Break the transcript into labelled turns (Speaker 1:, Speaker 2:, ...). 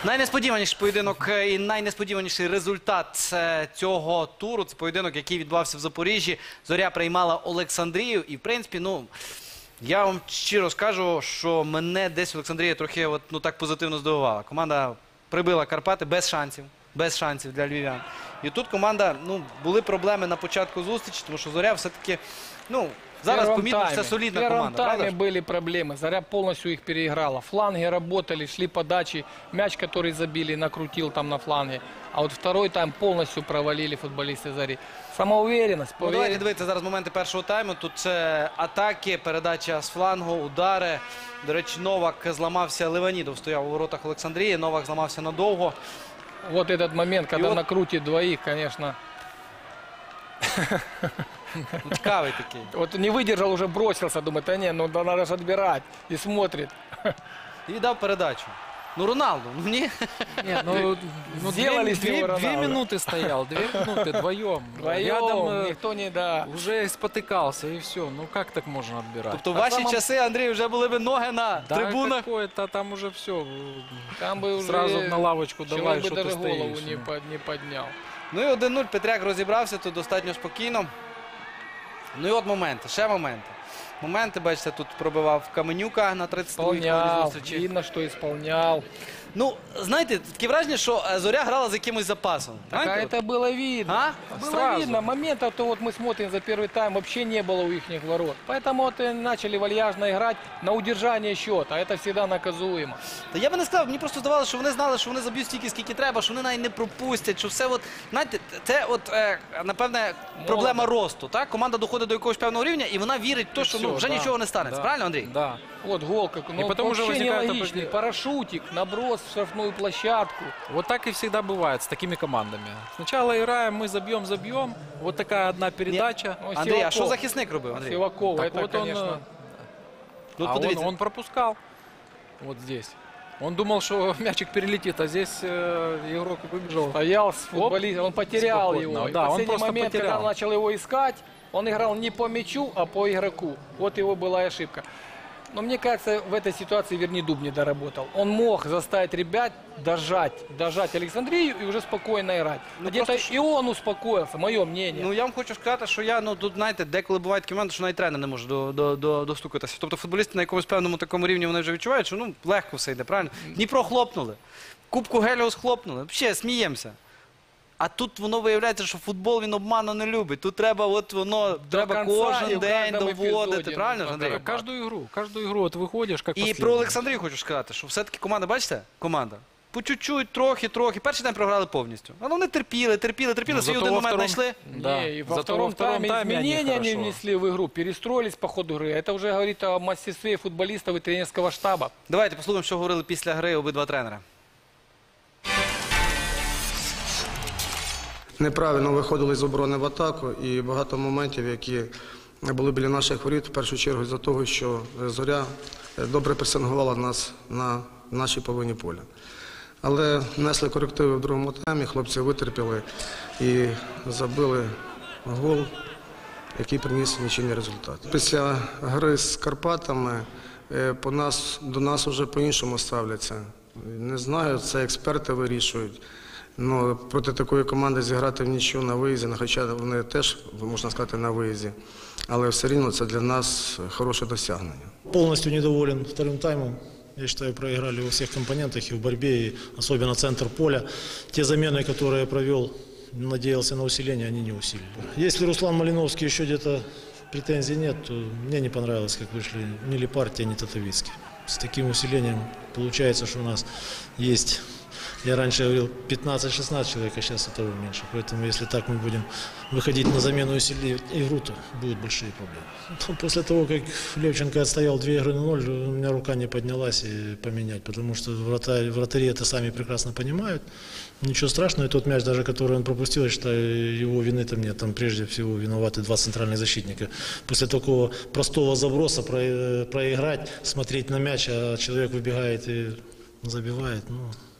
Speaker 1: Найнесподіваніший поєдинок і найнесподіваніший результат цього туру. Це поєдинок, який відбувався в Запоріжжі. Зоря приймала Олександрію. І, в принципі, я вам щиро скажу, що мене десь Олександрія трохи так позитивно здивувала. Команда прибила Карпати без шансів для львів'ян. І тут команда, були проблеми на початку зустрічі, тому що Зоря все-таки, зараз помітно, що це солідна команда.
Speaker 2: В первом тайме были проблемы. Заря полностью их переиграла. Фланги работали, шли подачи. Мяч, который забили, накрутил там на фланге. А вот второй тайм полностью провалили футболисты Зари. Самоуверенность.
Speaker 1: Давайте дивитися зараз моменти першого тайму. Тут це атаки, передача з флангу, удари. До речі, Новак зламався, Леванідов стояв у воротах Олександрії. Новак зламався надовго.
Speaker 2: Вот этот момент, когда накрутит двоих, конечно.
Speaker 1: Цікавий такий.
Speaker 2: Вот не выдержал, уже бросился, думает, да не, надо же отбирать. И смотрит.
Speaker 1: І дав передачу. Роналду, ні?
Speaker 3: Нет,
Speaker 2: Сделали
Speaker 3: две минуты стоял, 2 минуты вдвоем.
Speaker 2: Вдвоем, никто не
Speaker 3: уже спотыкался и все. Ну как так можно отбирать?
Speaker 1: Тобто в ваші часи, Андрій, вже були б ноги на трибунах?
Speaker 3: Какое-то там уже все.
Speaker 2: Там бы уже
Speaker 3: сразу на лавочку давай,
Speaker 2: человек бы
Speaker 3: что ты
Speaker 2: даже голову
Speaker 3: стоишь.
Speaker 2: не поднял.
Speaker 1: І 1-0, Петряк розібрався тут достатньо спокійно. І от моменти, ще моменти. Моменти, бачите, тут пробивав Каменюка на 32-й зустрічі.
Speaker 2: Видно, що исполнял.
Speaker 1: Знаєте, таке враження, що Зоря грала з якимось запасом.
Speaker 2: Так, а это было видно. Было
Speaker 3: Сразу.
Speaker 2: видно. Моментов-то вот мы смотрим за первый тайм, вообще не было у их ворот. Поэтому вот и начали вальяжно играть на удержание счета. Это всегда наказуемо.
Speaker 1: Та я би не сказав, мені просто здавалося, що вони знали, що вони заб'ють стільки, скільки треба, що вони навіть не пропустять, що все знаєте, це напевне, проблема росту. Так? Команда доходить до якогось певного рівня, і вона вірить в те, що вже нічого не станеться. Правильно, Андрій?
Speaker 3: Да.
Speaker 2: Вот гол,
Speaker 3: потом уже
Speaker 2: вообще
Speaker 3: возникает
Speaker 2: нелогичный. Парашютик, наброс в штрафную площадку.
Speaker 3: Вот так и всегда бывает с такими командами. Сначала играем, мы забьем. Вот такая одна передача.
Speaker 1: Андрій, а що захисник робив, Андрій?
Speaker 2: Сиваков,
Speaker 3: Так
Speaker 2: это,
Speaker 3: вот
Speaker 2: конечно...
Speaker 3: он пропускал. Вот здесь. Он думал, что мячик перелетит, а здесь игрок выбежал.
Speaker 2: Стоял с футболистом, он потерял
Speaker 3: спокойно.
Speaker 2: его.
Speaker 3: Да,
Speaker 2: в
Speaker 3: он
Speaker 2: последний
Speaker 3: просто
Speaker 2: момент,
Speaker 3: потерял.
Speaker 2: когда он начал его искать, он играл не по мячу, а по игроку. Вот его была ошибка. Но мне кажется, в этой ситуации Вернидуб не доработал. Он мог заставить ребят дожать Александрию и уже спокойно играть. Где-то и он успокоился, мое мнение.
Speaker 1: Я вам хочу сказати, що тут, знаєте, деколи бувають такі моменти, що навіть тренер не може достукатися. Тобто футболісти на якомусь певному такому рівні вони вже відчувають, що легко все йде, правильно? Дніпро хлопнули, Кубку Геліос хлопнули, взагалі сміємося. А тут воно виявляється, що футбол він обману не любить. Тут треба треба кожен день доводити, правильно ж, Андрій?
Speaker 3: Каждую игру вот выходишь, как
Speaker 1: І
Speaker 3: последний.
Speaker 1: про Олександрію хочу сказати, що все-таки команда, бачите, команда, по чуть-чуть, трохи. Перший день програли повністю. Але вони терпіли, свій один момент знайшли.
Speaker 2: Да. И во втором тайме изменения не внесли в игру, перестроились по ходу игры. Это уже говорит о мастерстве футболистов и тренерского штаба.
Speaker 1: Давайте послухаємо, що говорили після гри обидва тренера.
Speaker 4: Неправильно виходили з оборони в атаку і багато моментів, які були біля наших воріт, в першу чергу з-за того, що Зоря добре пресингувала нас на нашій половині поля. Але внесли корективи в другому таймі, хлопці витерпіли і забили гол, який приніс нічийний результат. Після гри з Карпатами до нас вже по-іншому ставляться. Не знаю, це експерти вирішують. Проти такої команди зіграти в нічию на виїзді, хоча вони теж, можна сказати, на виїзді, але все рівно це для нас хороше досягнення.
Speaker 5: Полностью недоволен вторым таймом. Я считаю, проиграли во всех компонентах, и в борьбе, и особенно центр поля. Те замены, которые я провел, надеялся на усиление, они не усилили. Если Руслан Малиновский еще где-то претензий нет, то мне не понравилось, как вышли ни Лепартия, ни Татовицкий. С таким усилением получается, что у нас есть... Я раньше говорил 15-16 человек, а сейчас этого меньше. Поэтому если так мы будем выходить на замену и усилить игру, то будут большие проблемы. После того, как Левченко отстоял 2 игры на 0, у меня рука не поднялась и поменять, потому что вратари это сами прекрасно понимают. Ничего страшного, и тот мяч, даже который он пропустил, я считаю, его вины там нет. Там прежде всего виноваты 2 центральных защитника. После такого простого заброса проиграть, смотреть на мяч, а человек выбегает и забивает,